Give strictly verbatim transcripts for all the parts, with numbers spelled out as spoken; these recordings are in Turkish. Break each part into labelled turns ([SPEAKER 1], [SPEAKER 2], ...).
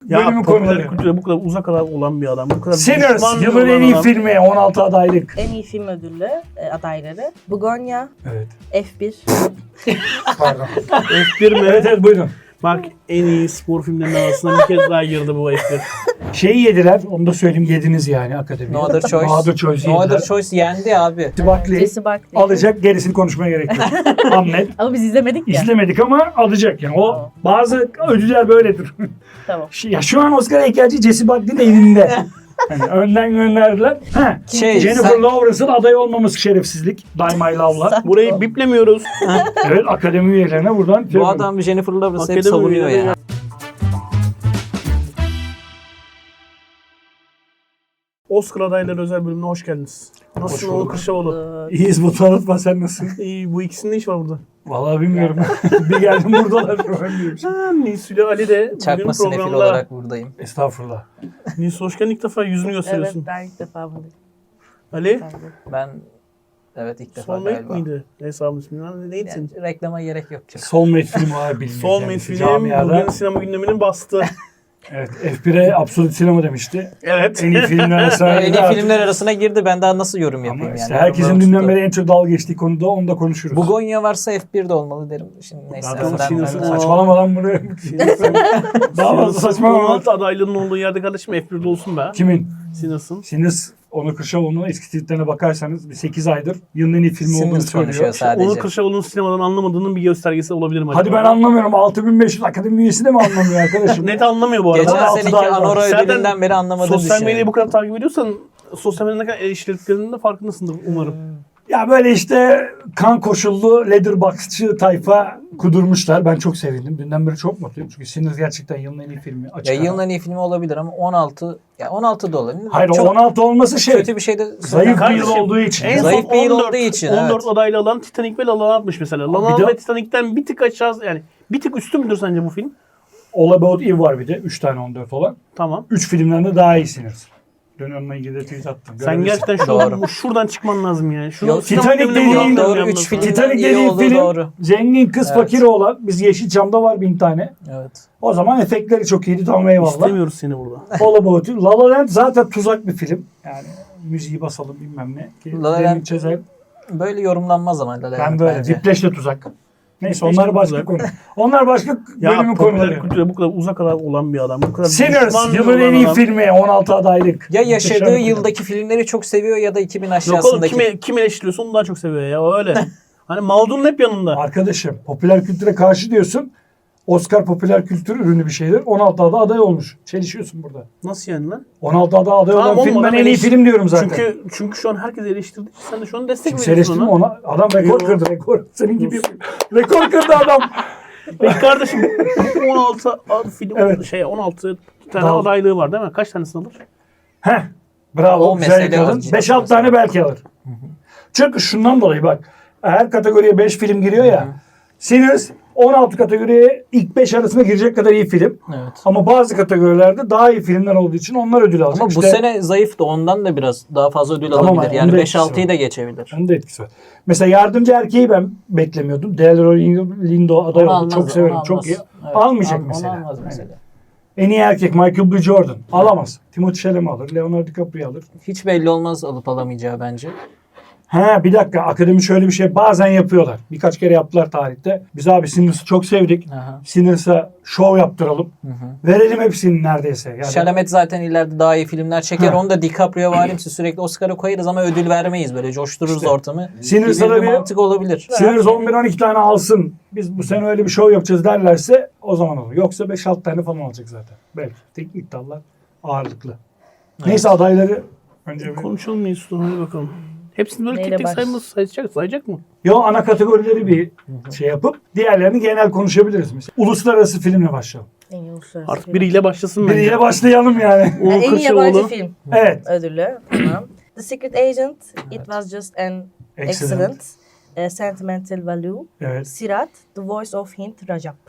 [SPEAKER 1] bölümün
[SPEAKER 2] popüler
[SPEAKER 1] konuları.
[SPEAKER 2] kültüre bu kadar uzak olan bir adam. Bu kadar
[SPEAKER 1] Sinners,
[SPEAKER 2] düşman
[SPEAKER 1] yılın en
[SPEAKER 2] olan
[SPEAKER 1] iyi
[SPEAKER 2] adam.
[SPEAKER 1] filmi, on altı adaylık.
[SPEAKER 3] En iyi film ödülü e, adayları. Begonya,
[SPEAKER 1] Evet,
[SPEAKER 3] F bir.
[SPEAKER 1] pardon.
[SPEAKER 2] F bir mi?
[SPEAKER 1] evet evet buyurun.
[SPEAKER 2] Bak en iyi spor filmlerinin arasına bir kez daha girdi bu F bir.
[SPEAKER 1] Şeyi yediler, onu da söyleyeyim, yediniz yani akademi.
[SPEAKER 4] No Other Choice.
[SPEAKER 1] No Other Choice'i
[SPEAKER 4] No
[SPEAKER 1] yediler.
[SPEAKER 4] Other Choice yendi abi.
[SPEAKER 1] Buckley
[SPEAKER 3] Jesse Buckley.
[SPEAKER 1] alacak, gerisini konuşmaya gerek yok. Hamlet.
[SPEAKER 3] Ama biz izlemedik ya.
[SPEAKER 1] İzlemedik ama alacak yani. O bazı ödüller böyledir.
[SPEAKER 3] Tamam.
[SPEAKER 1] Ya şu an Oscar heykelci Jesse Buckley'in evinde. Yani önden gönderdiler. Ha,
[SPEAKER 4] Şey,
[SPEAKER 1] Jennifer
[SPEAKER 4] sen-
[SPEAKER 1] Lawrence'ın aday olmaması şerefsizlik. Die My Love'la.
[SPEAKER 2] Burayı biplemiyoruz.
[SPEAKER 1] Evet, akademi üyelerine buradan.
[SPEAKER 4] Bu adam Jennifer Lawrence'ı hep
[SPEAKER 2] Akademi
[SPEAKER 4] savunuyor
[SPEAKER 2] üyeleri
[SPEAKER 4] ya.
[SPEAKER 2] Oscar adayları özel bölümüne hoş geldiniz.
[SPEAKER 1] Hoş
[SPEAKER 2] Nasılsın
[SPEAKER 1] bulduk.
[SPEAKER 2] Oğuz Kırşavoğlu?
[SPEAKER 1] İyiyiz, bu tanıtma, sen nasılsın?
[SPEAKER 2] İyi, bu ikisinin ne işi var burada?
[SPEAKER 1] Vallahi bilmiyorum. Bir geldim buradalar. Ben diyorum.
[SPEAKER 2] Ha, Nisülü Ali de
[SPEAKER 4] Çakma
[SPEAKER 2] bugün
[SPEAKER 4] sinefil
[SPEAKER 2] programda.
[SPEAKER 4] olarak buradayım.
[SPEAKER 1] Estağfurullah.
[SPEAKER 2] Nisu hoş geldin, ilk defa yüzünü
[SPEAKER 3] Evet,
[SPEAKER 2] gösteriyorsun.
[SPEAKER 3] ben ilk defa buradayım.
[SPEAKER 2] Ali,
[SPEAKER 3] Ben de.
[SPEAKER 4] Ben evet ilk defa
[SPEAKER 2] Soulmate
[SPEAKER 4] galiba.
[SPEAKER 2] miydi hesabın ismi? Neydi senin?
[SPEAKER 4] Yani, reklama gerek yok. Çok.
[SPEAKER 1] Soulmate filmi var bilmiyorum.
[SPEAKER 2] Soulmate film bugün sinema gündeminin bastı.
[SPEAKER 1] Evet, F bir'e Absolut Sinema demişti.
[SPEAKER 2] Evet.
[SPEAKER 1] En iyi filmler arasına
[SPEAKER 4] En
[SPEAKER 1] girdi
[SPEAKER 4] iyi
[SPEAKER 1] artık.
[SPEAKER 4] filmler arasına girdi. Ben daha nasıl yorum
[SPEAKER 1] Ama
[SPEAKER 4] yapayım
[SPEAKER 1] işte
[SPEAKER 4] yani.
[SPEAKER 1] herkesin
[SPEAKER 4] Yorumlarım
[SPEAKER 1] dünden
[SPEAKER 4] tuttu.
[SPEAKER 1] beri en çok dalga geçtiği konuda onu da konuşuruz.
[SPEAKER 4] Begonya varsa F bir'de olmalı derim. Şimdi neyse.
[SPEAKER 1] Zaten
[SPEAKER 4] önden-
[SPEAKER 2] Sinirsin
[SPEAKER 4] önden-
[SPEAKER 2] o.
[SPEAKER 1] saçmalamadan buraya. Daha fazla saçmalama.
[SPEAKER 2] on altı adaylığının olduğu yerde kardeşim F bir'de olsun be.
[SPEAKER 1] Kimin?
[SPEAKER 2] Sinirsin.
[SPEAKER 1] Sinis Onur Kırşavoğlu'nun eski tweetlerine bakarsanız bir sekiz aydır yılın en iyi filmi olduğunu
[SPEAKER 4] Sinners konuşuyor
[SPEAKER 1] söylüyor.
[SPEAKER 4] sadece.
[SPEAKER 2] Onur Kırşavoğlu'nun sinemadan anlamadığının bir göstergesi olabilir mi acaba?
[SPEAKER 1] Hadi ben anlamıyorum. altı bin beş yüz akademi üyesi de mi anlamıyor arkadaşım?
[SPEAKER 2] Net anlamıyor bu arada.
[SPEAKER 4] Geçen
[SPEAKER 1] on altı
[SPEAKER 4] seneki
[SPEAKER 1] daha var.
[SPEAKER 4] Anora
[SPEAKER 2] Zaten
[SPEAKER 4] ödülünden beri anlamadığını
[SPEAKER 2] Sosyal
[SPEAKER 4] düşünüyorum.
[SPEAKER 2] medyayı bu kadar takip ediyorsan sosyal medyada ne kadar eleştirdiklerinin de farkındasındır umarım.
[SPEAKER 1] Ya böyle işte kan koşullu Letterboxd'çı tayfa kudurmuşlar. Ben çok sevindim. Dünden beri çok mutluyum. Çünkü Sinners gerçekten yılın en iyi filmi. Açık
[SPEAKER 4] Ya
[SPEAKER 1] ara.
[SPEAKER 4] yılın en iyi filmi olabilir ama on altı ya on altı da olabilir.
[SPEAKER 1] Hayır, o
[SPEAKER 4] Çok
[SPEAKER 1] on altı olması şey.
[SPEAKER 4] kötü bir şey de
[SPEAKER 1] Zayıf bir yıl
[SPEAKER 2] Kardeşim,
[SPEAKER 1] olduğu için.
[SPEAKER 2] En
[SPEAKER 4] Zayıf
[SPEAKER 2] son
[SPEAKER 4] bir yıl
[SPEAKER 2] on dört,
[SPEAKER 4] olduğu için,
[SPEAKER 2] on dört
[SPEAKER 4] evet.
[SPEAKER 2] adaylı alan Titanic ve La La Land'mış mesela. La
[SPEAKER 1] Bir
[SPEAKER 2] La
[SPEAKER 1] de-
[SPEAKER 2] Land ve Titanic'ten bir tık aşağı, yani bir tık üstü müdür sence bu film?
[SPEAKER 1] All About Eve var bir de. üç tane on dört olan.
[SPEAKER 2] Tamam.
[SPEAKER 1] üç filmden de daha iyi Sinners. Dün onunla ilgili de tweet attım.
[SPEAKER 2] Sen
[SPEAKER 1] Görebilirsin.
[SPEAKER 2] gerçekten
[SPEAKER 4] Doğru.
[SPEAKER 2] şu, şuradan çıkman lazım yani. Şunu
[SPEAKER 4] Yok,
[SPEAKER 2] sinema
[SPEAKER 1] Titanic
[SPEAKER 2] gündemine
[SPEAKER 1] dediğin-
[SPEAKER 2] buradan
[SPEAKER 4] Doğru,
[SPEAKER 2] dönmem
[SPEAKER 4] üç
[SPEAKER 2] lazım.
[SPEAKER 4] film.
[SPEAKER 1] Titanic
[SPEAKER 4] iyi
[SPEAKER 1] dediğin
[SPEAKER 4] olduğu
[SPEAKER 1] film
[SPEAKER 4] doğru.
[SPEAKER 1] zengin kız
[SPEAKER 4] Evet.
[SPEAKER 1] fakir olan. Biz Yeşilçam'da var bin tane.
[SPEAKER 4] Evet.
[SPEAKER 1] O zaman efektleri çok iyiydi, tamam eyvallah.
[SPEAKER 2] İstemiyoruz seni burada.
[SPEAKER 1] All About Eve. La La Land zaten tuzak bir film. Yani müziği basalım bilmem ne. Ki
[SPEAKER 4] La La
[SPEAKER 1] Demin
[SPEAKER 4] Land
[SPEAKER 1] çözer.
[SPEAKER 4] Böyle yorumlanmaz ama La La
[SPEAKER 1] Ben
[SPEAKER 4] Land
[SPEAKER 1] böyle.
[SPEAKER 4] bence.
[SPEAKER 1] Whiplash de tuzak. Neyse
[SPEAKER 2] Whiplash
[SPEAKER 1] onlar
[SPEAKER 2] de
[SPEAKER 1] başka
[SPEAKER 2] tuzak.
[SPEAKER 1] konu. Onlar başka
[SPEAKER 2] Ya
[SPEAKER 1] bölümün
[SPEAKER 2] popüler
[SPEAKER 1] konuları.
[SPEAKER 2] kültüre bu kadar uzak olan bir adam. Bu kadar
[SPEAKER 1] Sinners
[SPEAKER 2] düşman
[SPEAKER 1] yılın
[SPEAKER 2] olan
[SPEAKER 1] en iyi
[SPEAKER 2] adam.
[SPEAKER 1] filmi, on altı adaylık.
[SPEAKER 4] Ya yaşadığı
[SPEAKER 1] Muhteşem bir film.
[SPEAKER 4] yıldaki filmleri çok seviyor ya da iki bin
[SPEAKER 2] Yok oğlum,
[SPEAKER 4] aşağısındaki.
[SPEAKER 2] kim, kim eleştiriyorsa onu daha çok seviyor ya, öyle. Hani Maldun'un hep yanında.
[SPEAKER 1] Arkadaşım popüler kültüre karşı diyorsun. Oscar popüler kültür ürünü bir şeydir. on altı ada aday olmuş. Çelişiyorsun burada.
[SPEAKER 2] Nasıl yani lan?
[SPEAKER 1] on altı ada aday
[SPEAKER 2] Tamam
[SPEAKER 1] olan
[SPEAKER 2] oğlum,
[SPEAKER 1] film ben
[SPEAKER 2] adam
[SPEAKER 1] en iyi
[SPEAKER 2] eleş-
[SPEAKER 1] film diyorum zaten.
[SPEAKER 2] Çünkü çünkü şu an herkes eleştirdi. Sen de şu an destek
[SPEAKER 1] Kimse
[SPEAKER 2] veriyorsun
[SPEAKER 1] eleştirme
[SPEAKER 2] ona.
[SPEAKER 1] ona. Adam rekor
[SPEAKER 2] Yo.
[SPEAKER 1] kırdı, rekor. Senin gibi yapıyor. Rekor kırdı adam.
[SPEAKER 2] Peki kardeşim on altı ad- film
[SPEAKER 1] Evet.
[SPEAKER 2] şey on altı tane
[SPEAKER 1] Dal-
[SPEAKER 2] adaylığı var değil mi? Kaç tanesini alır?
[SPEAKER 1] Heh. Bravo.
[SPEAKER 4] O
[SPEAKER 1] güzel
[SPEAKER 4] mesele
[SPEAKER 1] yakaladın.
[SPEAKER 4] o.
[SPEAKER 1] beş altı tane belki alır. Çünkü şundan dolayı bak. Her kategoriye beş film giriyor ya. Sinners on altı kategoriye ilk beş arasına girecek kadar iyi film.
[SPEAKER 4] Evet.
[SPEAKER 1] Ama bazı kategorilerde daha iyi filmler olduğu için onlar ödül alacak.
[SPEAKER 4] Ama bu
[SPEAKER 1] İşte
[SPEAKER 4] sene zayıftı. Ondan da biraz daha fazla ödül
[SPEAKER 1] Tamam,
[SPEAKER 4] alabilir.
[SPEAKER 1] onun
[SPEAKER 4] Yani
[SPEAKER 1] da
[SPEAKER 4] beş
[SPEAKER 1] etkisi
[SPEAKER 4] altıyı
[SPEAKER 1] var.
[SPEAKER 4] da geçebilir.
[SPEAKER 1] Onun da etkisi var. Mesela yardımcı erkeği ben beklemiyordum. Delroy Lindo aday
[SPEAKER 4] Onu
[SPEAKER 1] oldu.
[SPEAKER 4] almaz,
[SPEAKER 1] Çok
[SPEAKER 4] onu
[SPEAKER 1] severim.
[SPEAKER 4] almaz.
[SPEAKER 1] Çok iyi.
[SPEAKER 4] Evet,
[SPEAKER 1] Almayacak
[SPEAKER 4] al-
[SPEAKER 1] mesela.
[SPEAKER 4] Onu almaz
[SPEAKER 1] Yani.
[SPEAKER 4] mesela.
[SPEAKER 1] En iyi erkek Michael B. Jordan. Alamaz. Timothée Chalamet alır. Leonardo DiCaprio alır.
[SPEAKER 4] Hiç belli olmaz alıp alamayacağı bence.
[SPEAKER 1] Ha bir dakika. Akademi şöyle bir şey bazen yapıyorlar. Birkaç kere yaptılar tarihte. Biz abi Sinners'ı çok sevdik.
[SPEAKER 4] Aha.
[SPEAKER 1] Sinners'a şov yaptıralım.
[SPEAKER 4] Hı hı.
[SPEAKER 1] Verelim hepsini neredeyse. Yani
[SPEAKER 4] Chalamet zaten ileride daha iyi filmler çeker.
[SPEAKER 1] Ha.
[SPEAKER 4] Onu da DiCaprio varimsi sürekli Oscar'a koyarız ama ödül vermeyiz. Böyle coştururuz
[SPEAKER 1] İşte.
[SPEAKER 4] ortamı.
[SPEAKER 1] Sinners'a
[SPEAKER 4] Bir
[SPEAKER 1] da bir
[SPEAKER 4] mantık olabilir.
[SPEAKER 1] Sinners on bir on iki tane alsın. Biz bu sene öyle bir şov yapacağız derlerse o zaman olur. Yoksa beş altı tane falan alacak zaten. Belki. Teknik dallar ağırlıklı. Neyse adayları önce bir...
[SPEAKER 2] Konuşalım mı Yusuf? Hadi bakalım. Hepsini böyle
[SPEAKER 3] Neyle
[SPEAKER 2] tek tek
[SPEAKER 3] baş-
[SPEAKER 2] sayması sayacak, sayacak mı?
[SPEAKER 1] Yo ana kategorileri bir şey yapıp diğerlerini genel konuşabiliriz mesela. Uluslararası filmle başlayalım.
[SPEAKER 3] En iyi uluslararası
[SPEAKER 2] Artık
[SPEAKER 3] film.
[SPEAKER 2] biriyle başlasın bence.
[SPEAKER 1] Biriyle başlayalım yani.
[SPEAKER 2] Uğur
[SPEAKER 3] Yani en iyi yabancı
[SPEAKER 2] Kırşavoğlu.
[SPEAKER 3] film
[SPEAKER 1] Evet.
[SPEAKER 3] ödülü. Tamam. The Secret Agent, It Was Just an
[SPEAKER 1] Excellent.
[SPEAKER 3] Excellent, eh, Sentimental Value,
[SPEAKER 1] Evet.
[SPEAKER 3] Sirat, The Voice of Hind Rajab.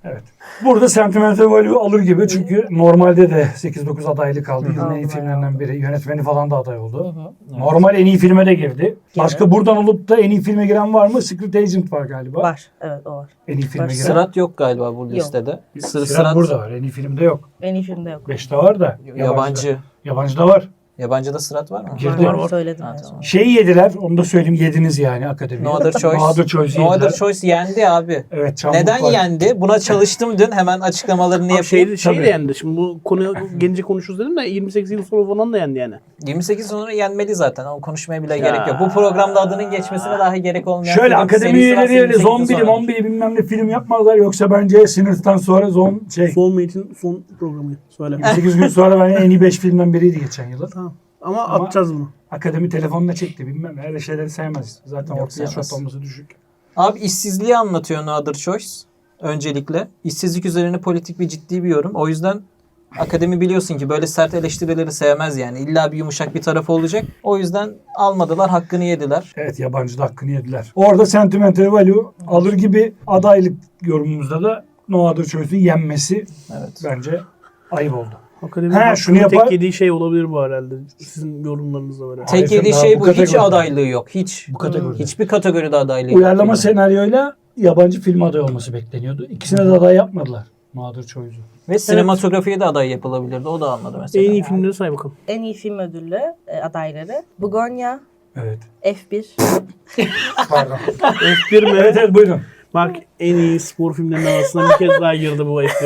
[SPEAKER 1] Evet. Burada Sentimental Value alır gibi çünkü normalde de sekiz dokuz adaylı kaldı. Yılın en iyi filmlerinden biri. Yönetmeni falan da aday oldu. Normal en iyi filme de girdi. Başka buradan olup da en iyi filme giren var mı? Secret Agent var galiba.
[SPEAKER 3] Var. Evet o var.
[SPEAKER 1] En iyi filme
[SPEAKER 3] Var.
[SPEAKER 1] giren.
[SPEAKER 4] Sırat yok galiba bu
[SPEAKER 3] Yok.
[SPEAKER 4] listede. Sır,
[SPEAKER 1] Sırat,
[SPEAKER 4] sırat
[SPEAKER 1] burada var. En iyi filmde yok.
[SPEAKER 3] En iyi filmde yok.
[SPEAKER 1] Beşte var da.
[SPEAKER 4] yabancı.
[SPEAKER 1] Yabancıda var.
[SPEAKER 4] Yabancıda sırat var mı?
[SPEAKER 1] Girdi.
[SPEAKER 3] Var, söyledim.
[SPEAKER 4] Ha,
[SPEAKER 3] en son.
[SPEAKER 4] tamam.
[SPEAKER 1] Şeyi yediler. Onu da söyleyeyim. Yediniz yani akademiye.
[SPEAKER 4] No Other Choice.
[SPEAKER 1] No Other Choice'i
[SPEAKER 4] No
[SPEAKER 1] yediler.
[SPEAKER 4] Other Choice yendi abi.
[SPEAKER 1] Evet. Çamlık
[SPEAKER 4] Neden
[SPEAKER 1] var.
[SPEAKER 4] yendi? Buna çalıştım dün. Hemen açıklamalarını
[SPEAKER 2] Abi
[SPEAKER 4] yapayım.
[SPEAKER 2] şey, şey
[SPEAKER 1] Tabii.
[SPEAKER 2] de yendi. Şimdi bu konuya gelince konuşuruz dedim de yirmi sekiz yıl sonra falan da yendi yani.
[SPEAKER 4] yirmi sekiz sonra yenmeli zaten. Ama konuşmaya bile gerek yok. Bu programda adının geçmesine dahi gerek olmayan
[SPEAKER 1] Şöyle
[SPEAKER 4] film
[SPEAKER 1] akademi
[SPEAKER 4] serisi varsa
[SPEAKER 1] üyeleri öyle
[SPEAKER 4] yirmi sekizden
[SPEAKER 1] zombili
[SPEAKER 4] sonra.
[SPEAKER 1] mombili bilmem ne film yapmazlar. Yoksa bence Sinir'den sonra zon şey.
[SPEAKER 2] Soulmate'in son programı. Söyle.
[SPEAKER 1] yirmi sekiz gün sonra ben en iyi beş filmden biriydi geçen yılın.
[SPEAKER 2] Tamam. Ama,
[SPEAKER 1] Ama-
[SPEAKER 2] atacağız bunu.
[SPEAKER 1] Akademi telefonla çekti bilmem. Öyle şeyleri sevmez. Zaten
[SPEAKER 4] Yok,
[SPEAKER 1] ortaya yaş
[SPEAKER 4] sevmez.
[SPEAKER 1] ortalaması düşük.
[SPEAKER 4] Abi işsizliği anlatıyor No Other Choice. Öncelikle. İşsizlik üzerine politik bir ciddi bir yorum. O yüzden akademi biliyorsun ki böyle sert eleştirileri sevmez yani. İlla bir yumuşak bir tarafı olacak. O yüzden almadılar, hakkını yediler.
[SPEAKER 1] Evet yabancı da hakkını yediler. Orada Sentimental Value alır gibi adaylık yorumumuzda da No Other Choice'un yenmesi
[SPEAKER 4] Evet.
[SPEAKER 1] bence ayıp oldu.
[SPEAKER 2] Akademi
[SPEAKER 1] He,
[SPEAKER 2] hakkında
[SPEAKER 1] şunu yapar-
[SPEAKER 2] tek yediği şey olabilir bu herhalde. Sizin yorumlarınızla böyle.
[SPEAKER 1] Hayır,
[SPEAKER 4] Tek yediği
[SPEAKER 1] daha
[SPEAKER 4] şey
[SPEAKER 1] bu
[SPEAKER 4] bu. Hiç
[SPEAKER 1] kategoride.
[SPEAKER 4] adaylığı yok. Hiç.
[SPEAKER 1] Bu kategoride.
[SPEAKER 4] Hiçbir kategoride adaylığı yok.
[SPEAKER 1] Uyarlama
[SPEAKER 4] filmin.
[SPEAKER 1] senaryoyla yabancı film aday olması bekleniyordu. İkisine de aday yapmadılar. No Other Choice'u.
[SPEAKER 4] Ve sinematografiye de aday yapılabilirdi. O da almadı mesela.
[SPEAKER 2] En iyi filmleri say bakalım.
[SPEAKER 3] En iyi film ödüllü e, adayları. Bugonya,
[SPEAKER 1] Evet.
[SPEAKER 3] F bir.
[SPEAKER 1] Pardon.
[SPEAKER 2] F bir mi?
[SPEAKER 1] evet evet buyurun.
[SPEAKER 2] Bak en iyi spor filmlerinin arasına bir kez daha girdi bu F bir.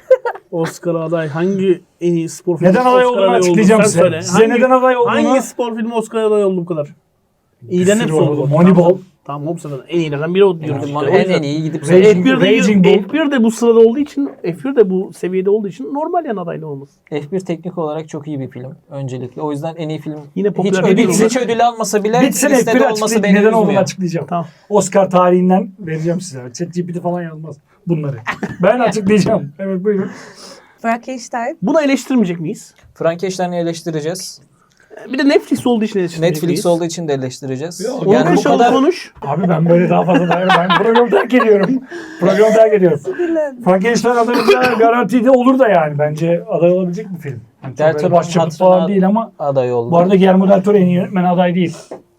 [SPEAKER 2] Oscar aday. Hangi en iyi spor filmi
[SPEAKER 1] Neden aday
[SPEAKER 2] Oscar
[SPEAKER 1] olduğunu
[SPEAKER 2] adayı oldu?
[SPEAKER 1] açıklayacağım
[SPEAKER 2] Sen
[SPEAKER 1] size.
[SPEAKER 2] söyle.
[SPEAKER 1] Size
[SPEAKER 2] Hangi-
[SPEAKER 1] neden aday olduğunu...
[SPEAKER 2] Hangi spor filmi Oscar aday oldu bu kadar? İyiden
[SPEAKER 1] Bir
[SPEAKER 2] hepsi
[SPEAKER 1] sürü
[SPEAKER 2] oldu.
[SPEAKER 1] oldu. Moneyball.
[SPEAKER 2] Tamam hepsi de. En iyilerden biri o diyoruz.
[SPEAKER 4] Bizim
[SPEAKER 2] işte. O
[SPEAKER 4] en,
[SPEAKER 2] yüzden-
[SPEAKER 4] en iyi gidip
[SPEAKER 1] Raging-
[SPEAKER 2] F bir de,
[SPEAKER 1] Raging Bull.
[SPEAKER 2] F bir de bu sırada olduğu için, F bir de bu seviyede olduğu için normal yani adaylı olması.
[SPEAKER 4] F bir teknik olarak çok iyi bir film öncelikle. O yüzden en iyi film
[SPEAKER 2] Yine
[SPEAKER 4] hiç
[SPEAKER 2] popüler
[SPEAKER 4] ödül,
[SPEAKER 2] kültür
[SPEAKER 4] hiç ödül almasa bile
[SPEAKER 1] Bitsin F
[SPEAKER 4] listede
[SPEAKER 1] biri
[SPEAKER 4] olması
[SPEAKER 1] açıklayayım.
[SPEAKER 4] beni
[SPEAKER 1] Neden olduğunu
[SPEAKER 4] üzmüyor.
[SPEAKER 1] açıklayacağım.
[SPEAKER 2] Tamam.
[SPEAKER 1] Oscar tarihinden vereceğim size. ChatGPT falan yazmaz bunları. Ben açıklayacağım. Evet buyurun.
[SPEAKER 3] Frankenstein.
[SPEAKER 2] Bunu eleştirmeyecek miyiz?
[SPEAKER 4] Frankenstein'i eleştireceğiz.
[SPEAKER 2] Bir de Netflix olduğu için eleştirmeyecek
[SPEAKER 4] Netflix
[SPEAKER 2] miyiz?
[SPEAKER 4] olduğu için de eleştireceğiz.
[SPEAKER 1] Yok,
[SPEAKER 2] Onu
[SPEAKER 4] yani bu
[SPEAKER 2] konuşalım,
[SPEAKER 4] kadar
[SPEAKER 2] konuş.
[SPEAKER 1] Abi ben böyle daha fazla dayanırım. Ben programı terk ediyorum. Programı terk ediyorum. Frankenstein adayında garantide olur da yani. Bence aday olabilecek bir film. Yani çok
[SPEAKER 4] Del
[SPEAKER 1] böyle
[SPEAKER 4] Toro'nun
[SPEAKER 1] başyapıt falan
[SPEAKER 4] hatırına
[SPEAKER 1] değil ama
[SPEAKER 4] aday oldu.
[SPEAKER 1] bu arada Guillermo del Toro en iyi yönetmen aday değil.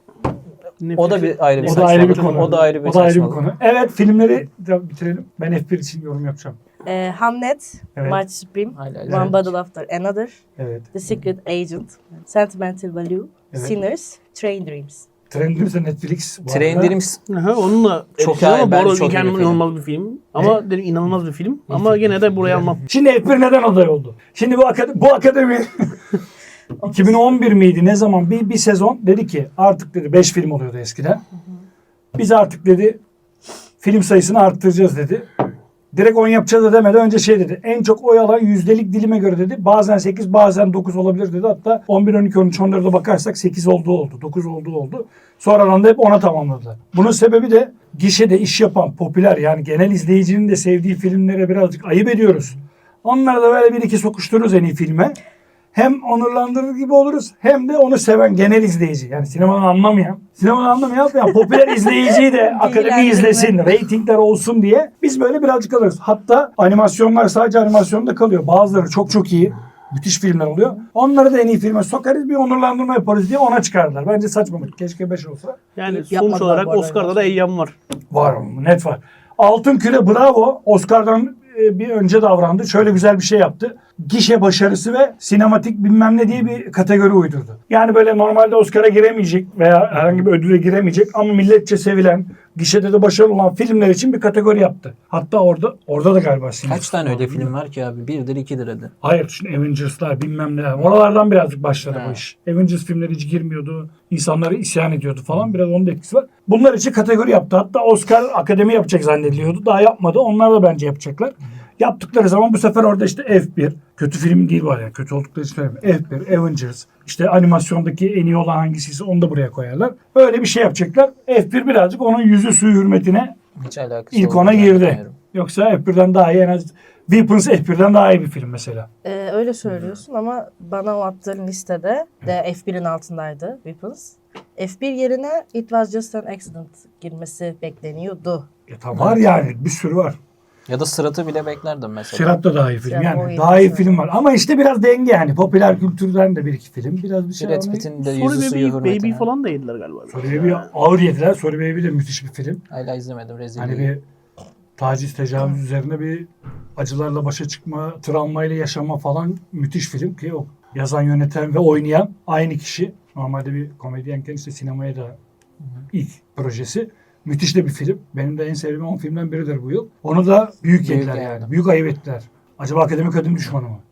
[SPEAKER 4] O da bir ayrı bir
[SPEAKER 1] O da ayrı bir
[SPEAKER 4] saçmalık.
[SPEAKER 1] konu.
[SPEAKER 4] O da ayrı bir
[SPEAKER 1] O da ayrı bir
[SPEAKER 4] saçmalık.
[SPEAKER 1] konu. Evet filmleri de bitirelim. Ben F bir için yorum yapacağım.
[SPEAKER 3] E, Hamlet,
[SPEAKER 1] Evet.
[SPEAKER 3] March Supreme,
[SPEAKER 4] Hala-
[SPEAKER 3] One
[SPEAKER 1] Evet.
[SPEAKER 3] Battle After Another,
[SPEAKER 1] Evet.
[SPEAKER 3] The Secret Agent, Sentimental Value,
[SPEAKER 1] Evet.
[SPEAKER 3] Sinners, Train Dreams.
[SPEAKER 1] Trendimse Netflix. bu
[SPEAKER 4] Train
[SPEAKER 1] arada.
[SPEAKER 4] Dreams
[SPEAKER 2] Aha, onunla
[SPEAKER 4] Çok
[SPEAKER 2] çok ama
[SPEAKER 4] iyi,
[SPEAKER 2] bu
[SPEAKER 4] bence
[SPEAKER 2] arada
[SPEAKER 4] çok iyi bir
[SPEAKER 2] mükemmel,
[SPEAKER 4] film.
[SPEAKER 2] inanılmaz bir film. Ama dedim inanılmaz bir film. Ama gene de buraya almam.
[SPEAKER 1] Şimdi F bir neden aday oldu? Şimdi bu akademi, bu akademi iki bin on bir miydi ne zaman bir, bir sezon dedi ki artık dedi beş film oluyordu eskiden. Biz artık dedi film sayısını arttıracağız dedi. Direkt on yapacağız da demeden önce şey dedi. En çok oy alan yüzdelik dilime göre dedi. Bazen sekiz bazen dokuz olabilir dedi. Hatta on bir, on iki, on üç, on dörde bakarsak sekiz olduğu oldu. dokuz olduğu oldu. Sonradan da hep ona tamamladılar. Bunun sebebi de gişede iş yapan popüler yani genel izleyicinin de sevdiği filmlere birazcık ayıp ediyoruz. Onları da böyle bir iki sokuştururuz en iyi filme. Hem onurlandırır gibi oluruz hem de onu seven genel izleyici. Yani sinemadan anlamayan, sinemadan anlamayan yani popüler izleyiciyi de akademi
[SPEAKER 3] Bilgilendirme.
[SPEAKER 1] izlesin, reytingler olsun diye biz böyle birazcık alırız. Hatta animasyonlar sadece animasyonda kalıyor. Bazıları çok çok iyi. Müthiş filmler oluyor. Onları da en iyi filme sokarız bir onurlandırma yaparız diye ona çıkardılar. Bence saçmalık. Keşke beş olsa.
[SPEAKER 2] Yani sonuç
[SPEAKER 3] Yapmadılar
[SPEAKER 2] olarak
[SPEAKER 3] bu arada.
[SPEAKER 2] Oscar'da da Eyyam var.
[SPEAKER 1] Var mı? Net var. Altın Küre bravo. Oscar'dan e, bir önce davrandı. Şöyle güzel bir şey yaptı. Gişe başarısı ve sinematik bilmem ne diye bir kategori uydurdu. Yani böyle normalde Oscar'a giremeyecek veya herhangi bir ödüle giremeyecek ama milletçe sevilen, gişede de başarılı olan filmler için bir kategori yaptı. Hatta orada orada da galiba sinema.
[SPEAKER 4] Kaç tane öyle film var ki abi? Birdir ikidir hadi.
[SPEAKER 1] Hayır şimdi Avengers'lar bilmem ne. Oralardan birazcık başladı
[SPEAKER 4] Ha.
[SPEAKER 1] bu iş. Avengers filmleri hiç girmiyordu. İnsanları isyan ediyordu falan. Biraz onun da etkisi var. Bunlar için kategori yaptı. Hatta Oscar akademi yapacak zannediliyordu. Daha yapmadı. Onlar da bence yapacaklar. Yaptıkları zaman bu sefer orada işte F bir. Kötü film değil var yani. Kötü oldukları için söylemiyorum. F bir, Avengers. İşte animasyondaki en iyi olan hangisiyse onu da buraya koyarlar. Öyle bir şey yapacaklar. F bir birazcık onun yüzü suyu hürmetine
[SPEAKER 4] Hiç alakası
[SPEAKER 1] ilk
[SPEAKER 4] olduğunu
[SPEAKER 1] ona girdi.
[SPEAKER 4] zannetmiyorum.
[SPEAKER 1] Yoksa F birden daha iyi en az Weapons F birden daha iyi bir film mesela.
[SPEAKER 3] Ee, öyle söylüyorsun ama bana o attığın listede de F birin altındaydı Weapons. F bir yerine It Was Just an Accident girmesi bekleniyordu.
[SPEAKER 1] Ya tamam var yani bir sürü var.
[SPEAKER 4] Ya da Sırat'ı bile beklerdim mesela.
[SPEAKER 1] Sırat da daha iyi film.
[SPEAKER 3] Sırat o
[SPEAKER 1] Yani
[SPEAKER 3] iyi
[SPEAKER 1] daha iyi
[SPEAKER 3] mesela.
[SPEAKER 1] film var. Ama işte biraz denge yani. Popüler kültürden de bir iki film. Biraz bir şey
[SPEAKER 4] Brad
[SPEAKER 1] var.
[SPEAKER 4] Pitt'in de
[SPEAKER 2] Sorry
[SPEAKER 4] yüzü suyu
[SPEAKER 2] Baby, Baby
[SPEAKER 4] hürmetine.
[SPEAKER 2] falan da yediler galiba.
[SPEAKER 1] Sorry Baby ağır yediler. Sorry Baby de müthiş bir film.
[SPEAKER 4] Hala izlemedim rezil.
[SPEAKER 1] Hani bir taciz, tecavüz üzerine bir acılarla başa çıkma, travmayla yaşama falan müthiş film ki o yazan, yöneten ve oynayan aynı kişi. Normalde bir komedyenken işte sinemaya da ilk projesi. Müthiş de bir film. Benim de en sevdiğim on filmden biridir bu yıl. Onu da büyük,
[SPEAKER 4] Büyük
[SPEAKER 1] yediler
[SPEAKER 4] yani.
[SPEAKER 1] yani. Büyük ayıp ettiler. Acaba akademik ödül düşmanı mı?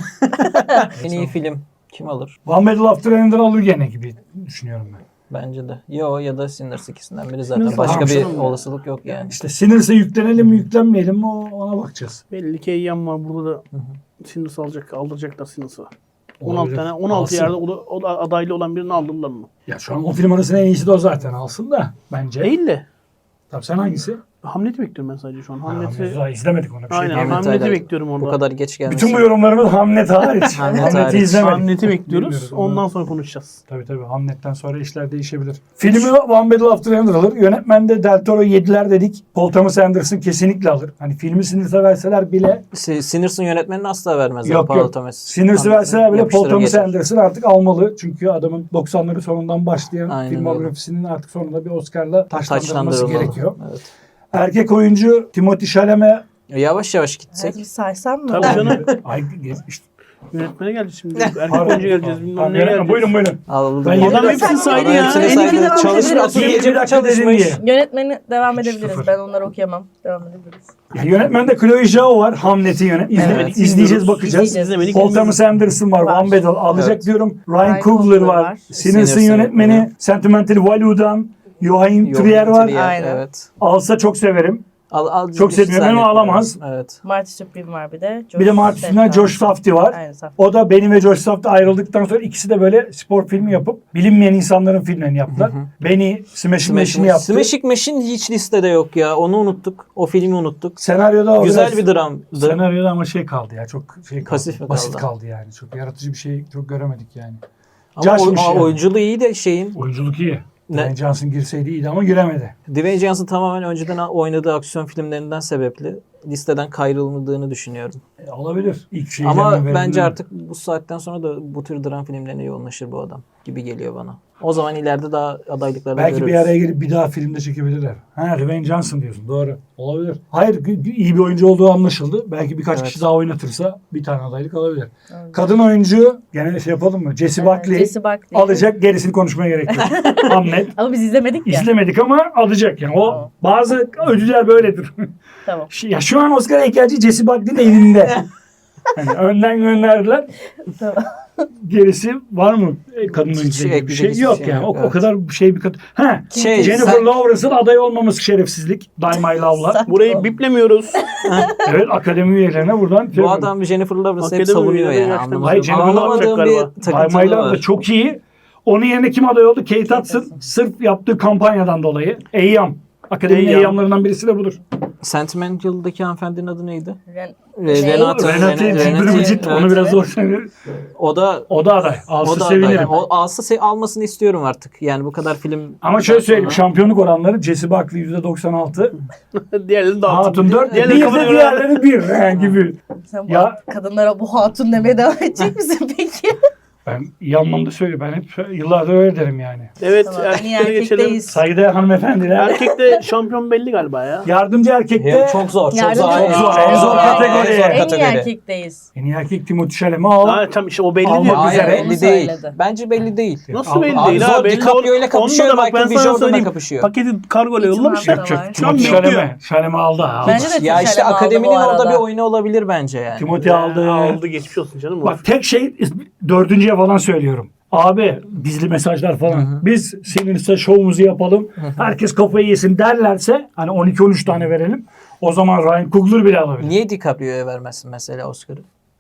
[SPEAKER 4] En iyi film kim alır?
[SPEAKER 1] One Medal After Another alır gene gibi düşünüyorum ben.
[SPEAKER 4] Bence de. Yo ya da Sinners ikisinden biri zaten.
[SPEAKER 2] Sinners
[SPEAKER 4] Başka
[SPEAKER 1] tamam,
[SPEAKER 4] bir
[SPEAKER 1] canım.
[SPEAKER 4] olasılık yok yani.
[SPEAKER 1] İşte Sinners'e yüklenelim mi yüklenmeyelim mi o- ona bakacağız.
[SPEAKER 2] Belli ki Eyyam var burada da Sinners alacak, aldıracaklar Sinners'ı. on altı
[SPEAKER 1] Olabilir.
[SPEAKER 2] tane, on altı
[SPEAKER 1] Alsın.
[SPEAKER 2] yerde o da, o da adaylı olan birini aldırdılar mı?
[SPEAKER 1] Ya şu an o film arasında en iyisi de o zaten alsın da bence.
[SPEAKER 2] Değil de.
[SPEAKER 1] Tabii sen hangisi?
[SPEAKER 2] Hamlet'i bekliyorum ben sadece şu an. Hamlet'i,
[SPEAKER 1] Hamlet'i daha izlemedik ona bir şey
[SPEAKER 2] aynen
[SPEAKER 1] diyemem.
[SPEAKER 4] Hamlet
[SPEAKER 2] Hamlet'i
[SPEAKER 4] hala
[SPEAKER 2] bekliyorum orada.
[SPEAKER 4] Bu kadar geç gelmiş.
[SPEAKER 1] Bütün bu yorumlarımız Hamlet hariç.
[SPEAKER 4] Hamlet
[SPEAKER 1] Hamlet'i
[SPEAKER 4] hariç.
[SPEAKER 1] izlemedik.
[SPEAKER 2] Hamlet'i bekliyoruz.
[SPEAKER 1] Bilmiyoruz,
[SPEAKER 2] Ondan
[SPEAKER 1] onu-
[SPEAKER 2] sonra konuşacağız.
[SPEAKER 1] Tabii tabii Hamlet'ten sonra işler değişebilir. Filmi One Battle After Another alır. Yönetmende Del Toro yediler dedik. Paul Thomas Anderson kesinlikle alır. Hani filmi Sinners'a verseler bile
[SPEAKER 4] Si- Sinners'ın yönetmenini asla vermezler.
[SPEAKER 1] yok
[SPEAKER 4] Paul
[SPEAKER 1] yok.
[SPEAKER 4] Thomas.
[SPEAKER 1] Sinners'ı verseler bile Paul
[SPEAKER 4] Yapıştırır
[SPEAKER 1] Thomas
[SPEAKER 4] geçer.
[SPEAKER 1] Anderson artık almalı. Çünkü adamın doksanları sonundan başlayan
[SPEAKER 4] Aynen
[SPEAKER 1] filmografisinin artık sonunda bir Oscar'la taşlandırılması
[SPEAKER 4] Taçlandırılmalı.
[SPEAKER 1] gerekiyor.
[SPEAKER 4] Evet.
[SPEAKER 1] Erkek oyuncu Timothée Chalamet.
[SPEAKER 4] Yavaş yavaş gitsek.
[SPEAKER 3] Hadi saysam mı?
[SPEAKER 2] Tabii canım.
[SPEAKER 1] Ay, işte,
[SPEAKER 2] Yönetmene geleceğiz şimdi. Erkek
[SPEAKER 1] pardon,
[SPEAKER 2] oyuncu geleceğiz.
[SPEAKER 1] pardon.
[SPEAKER 2] Bilmem
[SPEAKER 1] Tamam,
[SPEAKER 2] ne
[SPEAKER 1] yönetmen,
[SPEAKER 2] geleceğiz.
[SPEAKER 1] buyurun buyurun.
[SPEAKER 4] Aldım.
[SPEAKER 1] Ben
[SPEAKER 2] Adam
[SPEAKER 1] yedi-
[SPEAKER 2] hepsini saydı
[SPEAKER 4] Adam
[SPEAKER 2] ya.
[SPEAKER 4] hepsini
[SPEAKER 2] En iyi
[SPEAKER 4] saydı.
[SPEAKER 2] film adam
[SPEAKER 4] Çalışmış,
[SPEAKER 2] dedi.
[SPEAKER 4] asıl
[SPEAKER 1] Bir
[SPEAKER 4] gece
[SPEAKER 1] dakika dedin
[SPEAKER 4] çalışmış.
[SPEAKER 1] diye.
[SPEAKER 3] Yönetmeni devam edebiliriz.
[SPEAKER 1] Sıfır.
[SPEAKER 3] Ben onları okuyamam. Devam edebiliriz.
[SPEAKER 1] Ya yönetmende Chloe Zhao var. Hamlet'i yönetmeni.
[SPEAKER 2] İzlemedik,
[SPEAKER 1] İzleyeceğiz,
[SPEAKER 2] izliyoruz.
[SPEAKER 1] bakacağız.
[SPEAKER 2] İzlemedik,
[SPEAKER 1] Paul
[SPEAKER 2] izliyoruz.
[SPEAKER 1] Thomas Anderson var.
[SPEAKER 3] Var.
[SPEAKER 1] One Battle alacak
[SPEAKER 4] Evet.
[SPEAKER 1] diyorum. Ryan,
[SPEAKER 3] Ryan
[SPEAKER 1] Coogler
[SPEAKER 3] Coogler
[SPEAKER 1] var.
[SPEAKER 3] var.
[SPEAKER 1] Sinners'ın
[SPEAKER 4] Sinners'ın
[SPEAKER 1] yönetmeni.
[SPEAKER 4] yönetmeni.
[SPEAKER 1] Sentimental Value'dan Joachim
[SPEAKER 4] Joachim
[SPEAKER 1] Trier var.
[SPEAKER 4] Trier,
[SPEAKER 3] Aynen.
[SPEAKER 4] Evet.
[SPEAKER 1] Alsa çok severim.
[SPEAKER 4] Al, al,
[SPEAKER 1] Çok
[SPEAKER 4] hiç
[SPEAKER 1] seviyorum ama
[SPEAKER 4] zannetmiyorum.
[SPEAKER 1] alamaz.
[SPEAKER 4] Evet.
[SPEAKER 3] Marty Supreme var bir de.
[SPEAKER 1] Bir de Martin'den Josh Safdie var.
[SPEAKER 3] Aynen Safdie.
[SPEAKER 1] O da Benny ve Josh Safdie ayrıldıktan sonra ikisi de böyle spor filmi yapıp bilinmeyen insanların filmlerini yaptılar. Benny Smashing Machine'i yaptı.
[SPEAKER 4] Smashing Machine hiç listede yok ya. Onu unuttuk. O filmi unuttuk.
[SPEAKER 1] Senaryoda o
[SPEAKER 4] Güzel
[SPEAKER 1] biraz-
[SPEAKER 4] bir dramdı.
[SPEAKER 1] Senaryoda ama şey kaldı ya çok şey kaldı.
[SPEAKER 4] Pasif mi
[SPEAKER 1] basit
[SPEAKER 4] kaldı?
[SPEAKER 1] kaldı yani. Çok yaratıcı bir şey çok göremedik yani.
[SPEAKER 4] Ama
[SPEAKER 1] Josh'muş
[SPEAKER 4] o,
[SPEAKER 1] yani.
[SPEAKER 4] oyunculuğu iyi de şeyin.
[SPEAKER 1] Oyunculuk iyi.
[SPEAKER 4] Ne?
[SPEAKER 1] Dwayne Johnson girseydi iyiydi ama giremedi.
[SPEAKER 4] Dwayne Johnson tamamen önceden oynadığı aksiyon filmlerinden sebepli listeden kayrılmadığını düşünüyorum.
[SPEAKER 1] E, olabilir. İlk şeyi
[SPEAKER 4] Ama bence artık bu saatten sonra da bu tür dram filmlerine yoğunlaşır bu adam gibi geliyor bana. O zaman ileride daha adaylıklarda
[SPEAKER 1] belki
[SPEAKER 4] görürüz.
[SPEAKER 1] bir araya gelip bir daha filmde çekebilirler. Ha Dwayne Johnson diyorsun. Doğru. Olabilir. Hayır gü- iyi bir oyuncu olduğu anlaşıldı. Belki birkaç
[SPEAKER 4] Evet.
[SPEAKER 1] kişi daha oynatırsa bir tane adaylık alabilir. Kadın oyuncu gene şey yapalım mı? Jessie Buckley
[SPEAKER 3] Jesse Buckley.
[SPEAKER 1] alacak. Gerisini konuşmaya gerek yok. Hamlet.
[SPEAKER 3] Ama biz izlemedik ya.
[SPEAKER 1] İzlemedik ama alacak yani. O
[SPEAKER 3] Tamam.
[SPEAKER 1] bazı ödüller böyledir.
[SPEAKER 3] Tamam.
[SPEAKER 1] Şu- Ya şu an Oscar heykelci Jessie Buckley'in elinde. Yani önden gönderdiler.
[SPEAKER 3] Tamam.
[SPEAKER 1] Gerisi var mı? E, Kadın
[SPEAKER 4] Hiç
[SPEAKER 1] oyuncu ilgili bir
[SPEAKER 4] ekleyecek
[SPEAKER 1] şey
[SPEAKER 4] hiçbir
[SPEAKER 1] yok
[SPEAKER 4] şey
[SPEAKER 1] yani.
[SPEAKER 4] yok,
[SPEAKER 1] O, o
[SPEAKER 4] evet.
[SPEAKER 1] kadar bir şey bir kadın. Ha,
[SPEAKER 4] Şey,
[SPEAKER 1] Jennifer
[SPEAKER 4] sen-
[SPEAKER 1] Lawrence'ın aday olmaması şerefsizlik. Die My Love'la.
[SPEAKER 2] Burayı biplemiyoruz.
[SPEAKER 1] Evet akademi üyelerine buradan.
[SPEAKER 4] Bu adam Jennifer Lawrence'ı hep
[SPEAKER 2] Akademi
[SPEAKER 4] savunuyor
[SPEAKER 2] üyeleri
[SPEAKER 4] yani.
[SPEAKER 2] gerçekten-
[SPEAKER 4] Anlamadım.
[SPEAKER 1] Hayır, Jennifer
[SPEAKER 4] Anlamadığım
[SPEAKER 2] Lawrence galiba.
[SPEAKER 4] bir
[SPEAKER 1] Die My
[SPEAKER 4] takıntılı
[SPEAKER 1] Love da
[SPEAKER 4] var.
[SPEAKER 1] çok iyi. Onun yerine kim aday oldu? Kate Hudson. Sırf yaptığı kampanyadan dolayı. Eyyam. Akademinin
[SPEAKER 2] Eyyam.
[SPEAKER 1] eyyamlarından birisi de budur.
[SPEAKER 4] Sentimental'daki hanımefendinin adı neydi?
[SPEAKER 3] Ren-
[SPEAKER 4] Re-
[SPEAKER 3] Şey-
[SPEAKER 4] Renate.
[SPEAKER 1] Renate
[SPEAKER 4] Renate-
[SPEAKER 1] Zibirmicit.
[SPEAKER 4] evet.
[SPEAKER 1] Onu biraz zor söylüyor.
[SPEAKER 4] O da
[SPEAKER 1] O da aday.
[SPEAKER 4] o
[SPEAKER 1] Alsı
[SPEAKER 4] da
[SPEAKER 1] sevinirim.
[SPEAKER 4] aday. O alsa se- almasını istiyorum artık. Yani bu kadar film.
[SPEAKER 1] Ama şöyle söyleyeyim.
[SPEAKER 4] Sonra-
[SPEAKER 1] Şampiyonluk oranları Jessie Buckley yüzde doksan altı.
[SPEAKER 2] Diğerlerini dağıtın.
[SPEAKER 1] Hatun dört. Bir
[SPEAKER 2] Diğerleri
[SPEAKER 1] de
[SPEAKER 2] kafana göre-
[SPEAKER 1] diğerleri bir. Yani gibi.
[SPEAKER 3] Sen bu
[SPEAKER 1] Ya-
[SPEAKER 3] kadınlara bu hatun demeye devam edecek misin peki?
[SPEAKER 1] Ben iyi anlamda söylüyorum. Ben hep yıllardır öyle derim yani.
[SPEAKER 2] Evet,
[SPEAKER 3] Tamam, en iyi
[SPEAKER 2] erkeklere geçelim.
[SPEAKER 3] erkekteyiz.
[SPEAKER 1] Saygıdeğer hanımefendiler.
[SPEAKER 2] Erkekte şampiyon belli galiba ya.
[SPEAKER 1] Yardımcı erkekte
[SPEAKER 4] Ya, çok zor, çok
[SPEAKER 3] Yardımcı
[SPEAKER 4] zor.
[SPEAKER 3] erkek.
[SPEAKER 1] En zor, en zor kategori.
[SPEAKER 4] En zor
[SPEAKER 3] En iyi
[SPEAKER 4] kategori.
[SPEAKER 3] erkekteyiz.
[SPEAKER 1] en iyi erkek Timothée Chalamet al.
[SPEAKER 2] Ha, tam işte o belli
[SPEAKER 1] Almak
[SPEAKER 2] diyor.
[SPEAKER 1] üzere.
[SPEAKER 4] Hayır
[SPEAKER 3] Onu
[SPEAKER 4] belli değil.
[SPEAKER 3] söyledi.
[SPEAKER 4] Bence belli değil.
[SPEAKER 2] Nasıl belli
[SPEAKER 1] Abi
[SPEAKER 2] değil
[SPEAKER 4] zor,
[SPEAKER 2] ha? Belli
[SPEAKER 4] DiCaprio ile
[SPEAKER 2] ol-
[SPEAKER 4] kapışıyor,
[SPEAKER 2] Onda da bak ben
[SPEAKER 4] Michael B.
[SPEAKER 2] sana
[SPEAKER 4] Jordan'la
[SPEAKER 2] söyleyeyim.
[SPEAKER 4] kapışıyor.
[SPEAKER 2] Paketi kargoyla yollamış ya.
[SPEAKER 3] İtimat da var.
[SPEAKER 2] Şu an
[SPEAKER 1] Timothée
[SPEAKER 2] yok diyor.
[SPEAKER 1] Chalamet. Chalamet aldı ha.
[SPEAKER 3] Bence de
[SPEAKER 4] Ya işte
[SPEAKER 3] Chalamet aldı
[SPEAKER 4] akademinin
[SPEAKER 3] bu
[SPEAKER 4] orada
[SPEAKER 3] arada.
[SPEAKER 4] bir oyunu olabilir bence yani.
[SPEAKER 1] Timothy aldı.
[SPEAKER 2] Aldı geçmiş olsun canım. o.
[SPEAKER 1] Bak tek şey dördüncüye falan söylüyorum. Abi gizli mesajlar falan. Biz seninle şovumuzu yapalım. Herkes kafayı yesin derlerse hani on iki on üç tane verelim. O zaman Ryan Coogler bile alabilir.
[SPEAKER 4] Niye DiCaprio'ya vermezsin mesela Oscar'ı?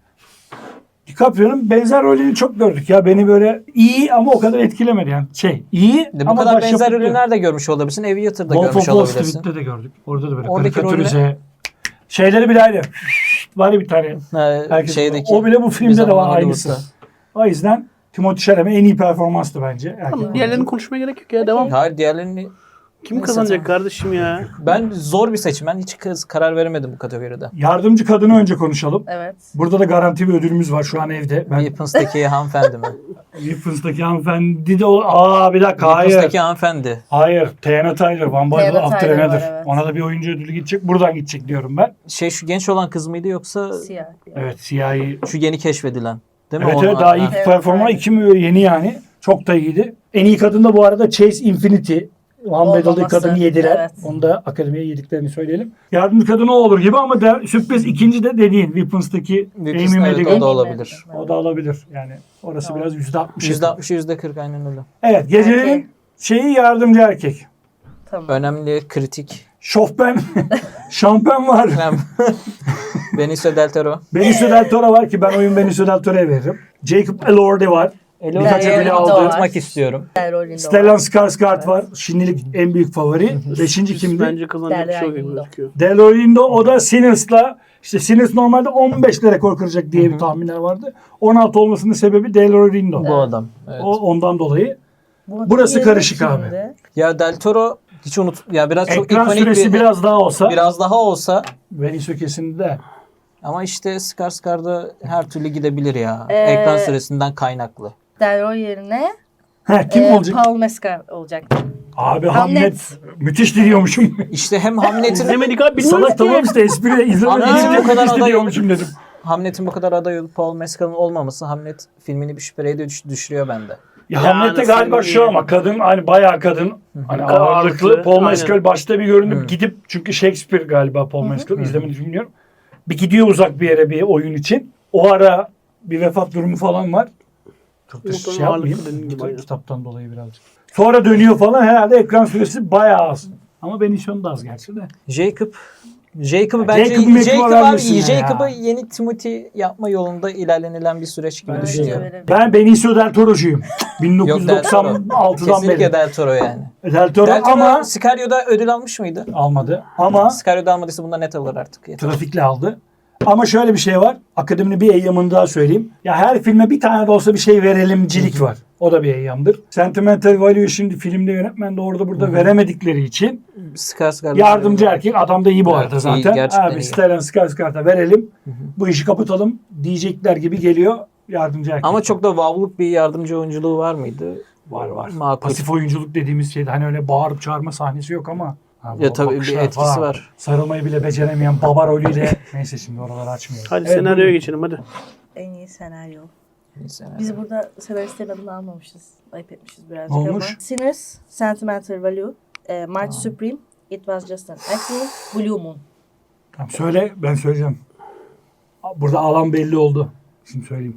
[SPEAKER 1] DiCaprio'nun benzer rolünü çok gördük ya. Beni böyle iyi ama o kadar etkilemedi yani. Şey iyi
[SPEAKER 4] De bu
[SPEAKER 1] ama
[SPEAKER 4] kadar benzer
[SPEAKER 1] başyapıt
[SPEAKER 4] rolü nerede görmüş olabilirsin? Aviator'da
[SPEAKER 1] Wolf of
[SPEAKER 4] görmüş
[SPEAKER 1] Wall
[SPEAKER 4] olabilirsin.
[SPEAKER 1] Street'te de gördük. Orada da böyle
[SPEAKER 4] Oradaki
[SPEAKER 1] karikatürize. Şeyleri bile ayrı. Var ya bir tane.
[SPEAKER 4] Ha,
[SPEAKER 1] Herkes,
[SPEAKER 4] şeydeki.
[SPEAKER 1] o bile bu filmde de
[SPEAKER 4] Bizim
[SPEAKER 1] var
[SPEAKER 4] Hollywood'da.
[SPEAKER 1] aynısı. O yüzden Timothée Chalamet en iyi performanstı bence. Erkek
[SPEAKER 2] Tamam,
[SPEAKER 1] oyuncu.
[SPEAKER 2] diğerlerini konuşmaya gerek yok ya. Devam.
[SPEAKER 4] Hayır diğerlerini
[SPEAKER 2] Kim
[SPEAKER 3] Neyse,
[SPEAKER 2] kazanacak
[SPEAKER 3] tamam.
[SPEAKER 2] kardeşim ya?
[SPEAKER 4] Ben zor bir seçim. Ben hiç kız- karar veremedim bu kategoride.
[SPEAKER 1] Yardımcı kadını önce konuşalım.
[SPEAKER 3] Evet.
[SPEAKER 1] Burada da garanti bir ödülümüz var şu an evde. Ben
[SPEAKER 4] Weapons'taki hanımefendi mi?
[SPEAKER 1] Weapons'taki hanımefendi de o... Aa bir dakika hayır.
[SPEAKER 4] Weapons'taki hanımefendi.
[SPEAKER 1] Hayır. Tiana Tyler. One by
[SPEAKER 3] Tiana
[SPEAKER 1] After
[SPEAKER 3] Tyler var,
[SPEAKER 1] Another.
[SPEAKER 3] evet.
[SPEAKER 1] Ona da bir oyuncu ödülü gidecek. Buradan gidecek diyorum ben.
[SPEAKER 4] Şey şu genç olan kız mıydı yoksa
[SPEAKER 3] Siyah.
[SPEAKER 1] Evet siyahi.
[SPEAKER 4] şu yeni keşfedilen? Değil mi?
[SPEAKER 1] Evet
[SPEAKER 4] Onun-
[SPEAKER 1] evet daha ilk
[SPEAKER 3] Evet,
[SPEAKER 1] performa
[SPEAKER 3] aynen.
[SPEAKER 1] iki mi yeni yani. Çok da iyiydi. En iyi kadın da bu arada Chase Infinity. One Battle'da
[SPEAKER 3] Olmaması,
[SPEAKER 1] kadını yediler.
[SPEAKER 3] evet.
[SPEAKER 1] Onu da akademiye yediklerini söyleyelim. Yardımcı kadın o olur gibi ama de, sürpriz ikinci de dediğin Weapons'taki
[SPEAKER 4] Weapons,
[SPEAKER 1] Amy
[SPEAKER 4] evet,
[SPEAKER 1] Madigan.
[SPEAKER 4] o da olabilir.
[SPEAKER 1] O da olabilir. Yani orası
[SPEAKER 3] Tamam.
[SPEAKER 1] biraz yüzde altmış.
[SPEAKER 4] yüzde altmış yüzde kırk aynen öyle.
[SPEAKER 1] Evet gecenin
[SPEAKER 3] Erkek.
[SPEAKER 1] şeyi yardımcı erkek.
[SPEAKER 3] Tamam.
[SPEAKER 4] Önemli, kritik.
[SPEAKER 1] Şofben. Şampen var.
[SPEAKER 4] Önemli. Benicio Del Toro.
[SPEAKER 1] Benicio Del Toro var ki ben oyun Benicio Del Toro'ya veririm. Jacob Elordi var.
[SPEAKER 4] Birkaç
[SPEAKER 3] Elordi
[SPEAKER 4] ödülü
[SPEAKER 3] var.
[SPEAKER 4] aldırtmak istiyorum.
[SPEAKER 3] Stellan
[SPEAKER 1] Stellan Skarsgård var. Şimdilik en büyük favori. Beşinci kimdi?
[SPEAKER 2] Bence kazanacak bir şey yok gibi
[SPEAKER 3] Derya
[SPEAKER 2] gözüküyor.
[SPEAKER 1] Delorindo o da Sinners'la işte Sinners normalde on beşle rekor kıracak diye bir tahminler vardı. on altı olmasının sebebi Delorindo.
[SPEAKER 4] Bu adam. Evet.
[SPEAKER 1] O ondan dolayı.
[SPEAKER 3] Bu
[SPEAKER 1] Burası
[SPEAKER 3] diğeri
[SPEAKER 1] karışık
[SPEAKER 3] kimdi?
[SPEAKER 1] abi.
[SPEAKER 4] Ya Del Toro hiç unut ya biraz çok
[SPEAKER 1] Ekran
[SPEAKER 4] ikonik
[SPEAKER 1] süresi
[SPEAKER 4] bir
[SPEAKER 1] biraz daha olsa
[SPEAKER 4] biraz daha olsa
[SPEAKER 1] Benicio kesinlikle.
[SPEAKER 4] ama işte Skarsgård'da her türlü gidebilir ya.
[SPEAKER 3] Ee,
[SPEAKER 4] Ekran süresinden kaynaklı.
[SPEAKER 3] Delroy yerine
[SPEAKER 1] Heh, kim
[SPEAKER 3] e,
[SPEAKER 1] olacak?
[SPEAKER 3] Paul Mescal olacak.
[SPEAKER 1] Abi
[SPEAKER 3] Hamlet.
[SPEAKER 1] Hamlet. Müthiş diliyormuşum.
[SPEAKER 4] İşte hem Hamlet'in
[SPEAKER 2] İzlemedik abi bilmiyoruz
[SPEAKER 1] Salak
[SPEAKER 2] ki.
[SPEAKER 1] tamam işte espri izlemedim.
[SPEAKER 4] Hamlet'in bu kadar
[SPEAKER 1] Müthiş
[SPEAKER 4] aday
[SPEAKER 1] diliyormuşum dedim.
[SPEAKER 4] Hamlet'in bu kadar aday olup Paul Mescal'ın olmaması Hamlet filmini bir şüpheye de düş- düşürüyor bende.
[SPEAKER 1] Ya
[SPEAKER 2] Yani
[SPEAKER 1] Hamlet'te galiba
[SPEAKER 2] sen
[SPEAKER 1] şu
[SPEAKER 2] iyi.
[SPEAKER 1] ama kadın hani bayağı kadın. Hani
[SPEAKER 2] Ağırlıklı,
[SPEAKER 1] ağırlıklı. Paul
[SPEAKER 2] aynen.
[SPEAKER 1] Mescal başta bir görünüp
[SPEAKER 4] Hı.
[SPEAKER 1] gidip çünkü Shakespeare galiba Paul Mescal izlemeni bilmiyorum. Bir gidiyor uzak bir yere bir oyun için. O ara bir vefat durumu falan var. Çok da
[SPEAKER 2] Muhtemelen
[SPEAKER 1] şey yapmayayım.
[SPEAKER 2] ağırlıklı dediğin gibi,
[SPEAKER 1] Kitap-
[SPEAKER 2] aynen.
[SPEAKER 1] kitaptan dolayı birazcık. Sonra dönüyor falan herhalde ekran süresi bayağı az. Ama Benicio da az gerçi de.
[SPEAKER 4] Jacob Jacob'ı
[SPEAKER 1] Ya
[SPEAKER 4] bence
[SPEAKER 1] Jacob'u
[SPEAKER 4] Jacob
[SPEAKER 1] Mac'e
[SPEAKER 4] abi
[SPEAKER 1] vermesin ya.
[SPEAKER 4] Jacob'ı yeni Timothy yapma yolunda ilerlenilen bir süreç gibi
[SPEAKER 1] Bence
[SPEAKER 4] düşünüyorum.
[SPEAKER 3] Verelim.
[SPEAKER 1] Ben Benicio Del Toro'cuyum.
[SPEAKER 4] Yok Del Toro.
[SPEAKER 1] bin dokuz yüz doksan altıdan
[SPEAKER 4] Kesinlikle
[SPEAKER 1] beri.
[SPEAKER 4] Del Toro yani.
[SPEAKER 1] Del Toro
[SPEAKER 4] Del Toro
[SPEAKER 1] ama
[SPEAKER 4] Sicario'da ödül almış mıydı?
[SPEAKER 1] almadı. Ama
[SPEAKER 4] Sicario'da almadıysa bundan net alır artık. Yeter.
[SPEAKER 1] trafikle aldı. Ama şöyle bir şey var. Akademinin bir eyyamını daha söyleyeyim. Ya her filme bir tane de olsa bir şey verelimcilik var. O da bir eyyamdır. Sentimental Value şimdi filmde yönetmen de orada burada veremedikleri için
[SPEAKER 4] Skarsgård
[SPEAKER 1] yardımcı erkek adam da iyi bu
[SPEAKER 4] Evet,
[SPEAKER 1] arada
[SPEAKER 4] iyi,
[SPEAKER 1] zaten.
[SPEAKER 4] gerçekten
[SPEAKER 1] Abi
[SPEAKER 4] iyi.
[SPEAKER 1] Stellan Skarsgård'a verelim. Bu işi kapatalım diyecekler gibi geliyor yardımcı erkek.
[SPEAKER 4] Ama çok da wow'luk bir yardımcı oyunculuğu var mıydı?
[SPEAKER 1] var var.
[SPEAKER 4] Makul.
[SPEAKER 1] Pasif oyunculuk dediğimiz şeyde hani öyle bağırıp çağırma sahnesi yok ama ha,
[SPEAKER 4] Ya
[SPEAKER 1] bu
[SPEAKER 4] tabii bir
[SPEAKER 1] bakışlar
[SPEAKER 4] etkisi
[SPEAKER 1] falan.
[SPEAKER 4] var.
[SPEAKER 1] Sarılmayı bile beceremeyen baba rolüyle neyse şimdi oraları açmıyoruz.
[SPEAKER 2] Hadi
[SPEAKER 1] Evet,
[SPEAKER 2] senaryoya
[SPEAKER 1] buyurun.
[SPEAKER 2] geçelim hadi.
[SPEAKER 3] En iyi senaryo.
[SPEAKER 4] Neyse.
[SPEAKER 3] Biz burada senaristlerin adını almamışız. Ayıp etmişiz birazcık
[SPEAKER 1] Ne olmuş?
[SPEAKER 3] ama. Sinners, Sentimental Value, e, March Supreme, It Was Just an Accident, Blue Moon.
[SPEAKER 1] Tamam söyle ben söyleyeceğim. Burada alan belli oldu. Şimdi söyleyeyim.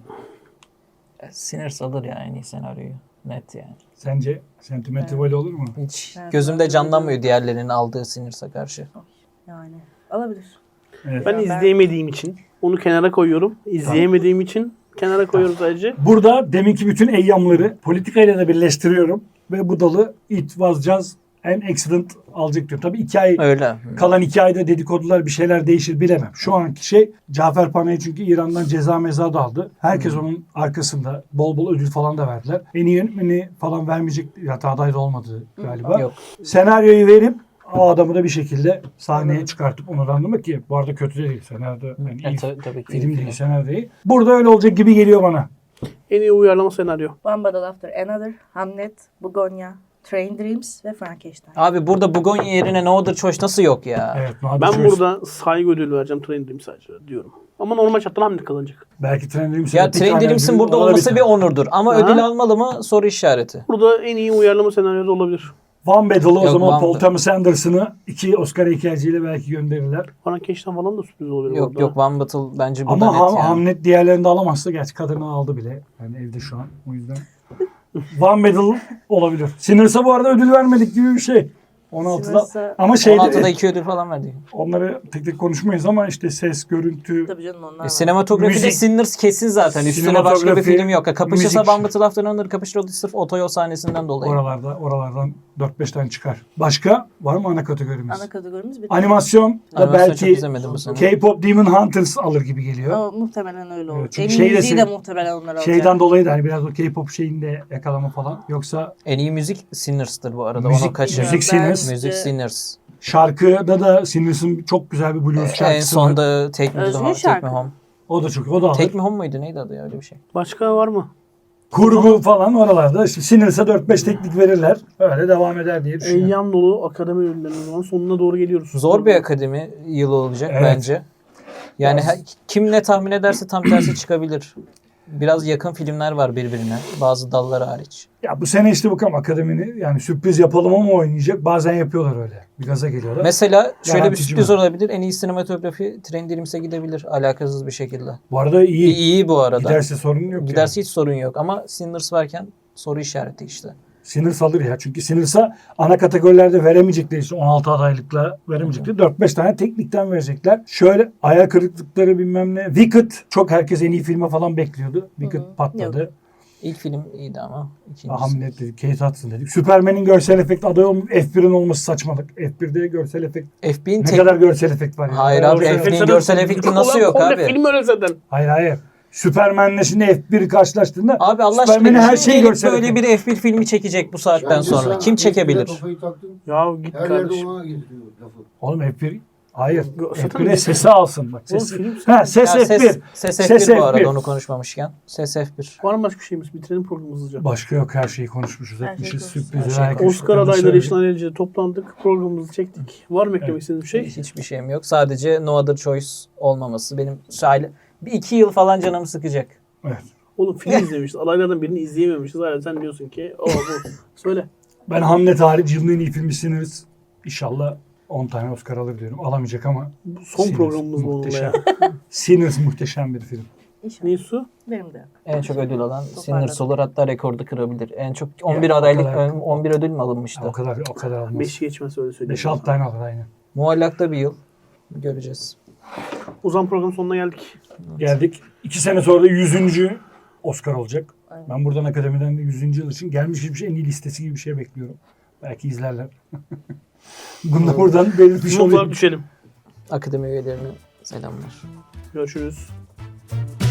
[SPEAKER 4] Sinners alır ya en iyi senaryoyu. Net yani.
[SPEAKER 1] Sence Sentimental Value olur mu?
[SPEAKER 4] Hiç
[SPEAKER 3] Evet.
[SPEAKER 4] gözümde canlanmıyor diğerlerinin aldığı Sinners'a karşı.
[SPEAKER 3] Yani alabilir.
[SPEAKER 1] Evet.
[SPEAKER 2] Ben
[SPEAKER 3] Ya ben-
[SPEAKER 2] izleyemediğim için onu kenara koyuyorum. İzleyemediğim için kenara koyuyorum sadece.
[SPEAKER 1] Burada deminki bütün eyyamları politikayla da birleştiriyorum. Ve bu dalı It Was Just an Accident alacak diyorum. Tabii iki ay
[SPEAKER 4] Öyle.
[SPEAKER 1] kalan iki ayda dedikodular bir şeyler değişir bilemem. Şu anki şey Cafer Panay çünkü İran'dan ceza meza da aldı. Herkes onun arkasında bol bol ödül falan da verdiler. En iyi yönetmeni falan vermeyecek hatta aday da olmadı galiba.
[SPEAKER 4] Yok.
[SPEAKER 1] Senaryoyu verip o adamı da bir şekilde sahneye çıkartıp onurlandırmak ki bu arada kötü de değil. Senaryo yani
[SPEAKER 4] E,
[SPEAKER 1] iyi
[SPEAKER 4] tabii, tabii ki.
[SPEAKER 1] film değil senaryo değil. Burada öyle olacak gibi geliyor bana.
[SPEAKER 2] En iyi uyarlama senaryo.
[SPEAKER 3] One Battle After Another, Hamlet, Bugonya, Train Dreams ve Frankenstein.
[SPEAKER 4] Abi burada Bugonya yerine No Other Choice nasıl yok ya?
[SPEAKER 1] Evet. Nadir
[SPEAKER 2] Ben
[SPEAKER 1] Choice.
[SPEAKER 2] burada saygı ödülü vereceğim Train Dream sadece diyorum. Ama normal şartlar Hamlet kazanacak.
[SPEAKER 1] Belki Train Dreams'in
[SPEAKER 4] Ya Train Dreams'in burada olması bir onurdur. Ama
[SPEAKER 2] Ha?
[SPEAKER 4] ödül almalı mı? Soru işareti.
[SPEAKER 2] Burada en iyi uyarlama senaryosu olabilir.
[SPEAKER 1] One Battle'ı o
[SPEAKER 4] Yok,
[SPEAKER 1] zaman
[SPEAKER 4] One
[SPEAKER 1] Paul
[SPEAKER 4] Battle.
[SPEAKER 1] Thomas Anderson'ı iki Oscar heykelciyle belki gönderirler.
[SPEAKER 2] Frankenstein falan da sürpriz olabilir.
[SPEAKER 4] Yok
[SPEAKER 2] orada.
[SPEAKER 4] yok One Battle bence burada
[SPEAKER 1] Ama
[SPEAKER 4] net
[SPEAKER 1] Ham-
[SPEAKER 4] yani.
[SPEAKER 1] Hamlet diğerlerini de alamazsa gerçi kadını aldı bile. Yani evde şu an o yüzden. One Battle olabilir. Sinners'a bu arada ödül vermedik gibi bir şey. on altıda
[SPEAKER 3] Sinners'a-
[SPEAKER 1] ama şeyde
[SPEAKER 4] on altıda iki ödül falan verdi.
[SPEAKER 1] onları tek tek konuşmayız ama işte ses, görüntü,
[SPEAKER 3] Tabii canım onlar
[SPEAKER 4] E,
[SPEAKER 3] var.
[SPEAKER 4] sinematografide
[SPEAKER 1] Müzik-
[SPEAKER 4] Sinners kesin zaten. Üstüne başka bir
[SPEAKER 1] Sinematografi,
[SPEAKER 4] film yok. Kapışırsa
[SPEAKER 1] müzik.
[SPEAKER 4] One Battle After Another kapışır o da sırf otoyol sahnesinden dolayı.
[SPEAKER 1] oralarda oralardan dört beş tane çıkar. Başka var mı ana kategorimiz?
[SPEAKER 3] Ana kategorimiz bir
[SPEAKER 1] Animasyon da
[SPEAKER 4] Animasyon çok
[SPEAKER 1] belki
[SPEAKER 4] izlemedim bu sene.
[SPEAKER 1] K-pop Demon Hunters alır gibi geliyor.
[SPEAKER 3] Ama muhtemelen öyle olur.
[SPEAKER 1] Evet, çünkü
[SPEAKER 3] en
[SPEAKER 1] şey
[SPEAKER 3] iyi
[SPEAKER 1] de
[SPEAKER 3] müziği de
[SPEAKER 1] sev-
[SPEAKER 3] muhtemelen onlar alacak.
[SPEAKER 1] Şeyden dolayı da hani biraz o K-pop şeyinde yakalama falan. Yoksa
[SPEAKER 4] En iyi müzik Sinners'tır bu arada.
[SPEAKER 1] Müzik-
[SPEAKER 4] Onu kaçır.
[SPEAKER 1] müzik
[SPEAKER 3] Ben
[SPEAKER 1] Sinners.
[SPEAKER 4] Music Sinners.
[SPEAKER 1] Şarkıda da Sinners'ın çok güzel bir blues şarkısı
[SPEAKER 4] En
[SPEAKER 1] var.
[SPEAKER 4] sonda Take Me
[SPEAKER 3] Özgün
[SPEAKER 4] Home. Take
[SPEAKER 3] şarkı.
[SPEAKER 4] Me Home.
[SPEAKER 1] O da çok, o da alır.
[SPEAKER 4] Take Me Home muydu? Neydi adı ya öyle bir şey?
[SPEAKER 2] Başka var mı?
[SPEAKER 1] Kurgu falan oralarda. İşte Sinners'a dört beş teknik verirler. Öyle devam eder diye düşünüyorum.
[SPEAKER 2] Eyyam dolu akademi ödüllerinin zaman sonuna doğru geliyoruz.
[SPEAKER 4] Zor bir akademi yılı olacak
[SPEAKER 1] Evet.
[SPEAKER 4] bence. Yani
[SPEAKER 1] Biraz-
[SPEAKER 4] her- kim ne tahmin ederse tam tersi çıkabilir. Biraz yakın filmler var birbirine. Bazı dallar hariç.
[SPEAKER 1] Ya bu sene işte bakalım akademini yani sürpriz yapalım ama oynayacak. Bazen yapıyorlar öyle. Bir gaza geliyorlar.
[SPEAKER 4] Mesela şöyle bir
[SPEAKER 1] Garantici
[SPEAKER 4] sürpriz
[SPEAKER 1] mi?
[SPEAKER 4] olabilir. En iyi sinematografi Trendims'e gidebilir. Alakasız bir şekilde.
[SPEAKER 1] Bu arada iyi.
[SPEAKER 4] İyi, iyi bu arada.
[SPEAKER 1] Giderse sorun yok.
[SPEAKER 4] Giderse hiç sorun yok. Ama Sinners varken soru işareti işte.
[SPEAKER 1] Yani. Sinners alır ya. Çünkü Sinners'a ana kategorilerde veremeyecekleri için on altı adaylıkla veremeyecekleri dört beş tane teknikten verecekler. Şöyle ayak kırıklıkları bilmem ne. Wicked çok herkes en iyi filme falan bekliyordu. Wicked
[SPEAKER 3] Hı hı.
[SPEAKER 1] patladı.
[SPEAKER 4] İlk film iyiydi ama ikincisi.
[SPEAKER 1] Hamlet dedik, Kate Hudson dedik. Superman'in görsel efekt adayı olmuş. F bir'in olması saçmalık. F bir'de görsel efekt.
[SPEAKER 4] F B'nin
[SPEAKER 1] Ne
[SPEAKER 4] tek...
[SPEAKER 1] kadar görsel efekt var ya.
[SPEAKER 4] Hayır
[SPEAKER 1] Bayağı
[SPEAKER 4] abi,
[SPEAKER 1] görsel
[SPEAKER 4] F
[SPEAKER 1] efekt.
[SPEAKER 4] B'nin görsel efekti nasıl yok
[SPEAKER 2] Komple
[SPEAKER 4] abi?
[SPEAKER 2] film öyle zaten.
[SPEAKER 1] Hayır hayır. Superman'le şimdi F bir'i karşılaştığında
[SPEAKER 4] Abi Allah
[SPEAKER 1] Superman'in
[SPEAKER 4] aşkına
[SPEAKER 1] her
[SPEAKER 4] kim
[SPEAKER 1] şeyi
[SPEAKER 4] gelip
[SPEAKER 1] görsel
[SPEAKER 4] böyle
[SPEAKER 1] efekt.
[SPEAKER 4] bir F bir filmi çekecek bu saatten
[SPEAKER 5] Bence
[SPEAKER 4] sonra?
[SPEAKER 5] sen
[SPEAKER 4] Kim
[SPEAKER 5] F bir'e
[SPEAKER 4] çekebilir?
[SPEAKER 5] kafayı taktın.
[SPEAKER 2] Ya git
[SPEAKER 5] Her yerde
[SPEAKER 2] kardeşim.
[SPEAKER 5] ona getiriyor lafı.
[SPEAKER 1] Oğlum F bir hayır.
[SPEAKER 2] Gö-
[SPEAKER 1] F
[SPEAKER 2] zaten
[SPEAKER 1] bir'e
[SPEAKER 2] bir-
[SPEAKER 1] sesi alsın bak.
[SPEAKER 2] Oğlum
[SPEAKER 1] Sesi.
[SPEAKER 2] film-
[SPEAKER 1] Ha ses
[SPEAKER 4] Ya
[SPEAKER 1] F bir.
[SPEAKER 4] ses, ses F bir
[SPEAKER 1] Ses
[SPEAKER 4] bu
[SPEAKER 1] F bir.
[SPEAKER 4] arada onu konuşmamışken. Ses F bir.
[SPEAKER 2] Var mı başka bir şeyimiz? Bitirelim programı hızlıca.
[SPEAKER 1] Başka yok, her şeyi konuşmuşuz,
[SPEAKER 3] Her şeyi
[SPEAKER 1] etmişiz.
[SPEAKER 3] konuştuk.
[SPEAKER 1] Sürpriz.
[SPEAKER 4] Her şeyi
[SPEAKER 1] herkes
[SPEAKER 2] Oscar
[SPEAKER 1] şükürler
[SPEAKER 2] adayları
[SPEAKER 1] söyledi.
[SPEAKER 2] için ailece toplandık. Programımızı çektik. Var mı eklemek
[SPEAKER 1] Evet.
[SPEAKER 2] istediğiniz bir şey?
[SPEAKER 4] Hiçbir şeyim yok. Sadece No Other Choice olmaması. Benim şaile bir iki yıl falan canımı sıkacak.
[SPEAKER 1] Evet.
[SPEAKER 2] Oğlum film izlemişiz. Adaylardan birini izleyememişiz. Hala sen diyorsun ki o bu. Söyle.
[SPEAKER 1] Ben Hamlet hariç yılın en iyi filmi Sinners. İnşallah on tane Oscar alır diyorum. Alamayacak ama
[SPEAKER 2] Bu son
[SPEAKER 1] Sinners
[SPEAKER 2] programımız bu onunla
[SPEAKER 1] muhteşem.
[SPEAKER 2] ya.
[SPEAKER 1] Sinners muhteşem bir film.
[SPEAKER 3] İnşallah.
[SPEAKER 2] Nisu?
[SPEAKER 3] Benim de yok.
[SPEAKER 4] En çok ödül alan
[SPEAKER 3] Toparladım.
[SPEAKER 4] Sinners olur, hatta rekordu kırabilir. En çok on bir
[SPEAKER 1] Ya, o
[SPEAKER 4] adaylık
[SPEAKER 1] kadar.
[SPEAKER 4] on bir ödül mü
[SPEAKER 1] Ya,
[SPEAKER 4] alınmıştı?
[SPEAKER 1] o kadar o kadar almaz.
[SPEAKER 2] Beş geçmez öyle söyleyeyim.
[SPEAKER 1] beş altı tane alır aynen.
[SPEAKER 4] Muallakta bir yıl. Göreceğiz.
[SPEAKER 2] O zaman programın sonuna geldik.
[SPEAKER 1] Geldik. İki sene sonra da yüzüncü Oscar olacak.
[SPEAKER 3] Aynen.
[SPEAKER 1] Ben buradan akademiden de yüzüncü yıl için gelmiş bir şey, en iyi listesi gibi bir şey bekliyorum. Belki izlerler. Bunu da buradan belirtmiş
[SPEAKER 2] Notlar
[SPEAKER 1] olayım.
[SPEAKER 2] düşelim.
[SPEAKER 4] Akademi üyelerine selamlar.
[SPEAKER 2] Görüşürüz.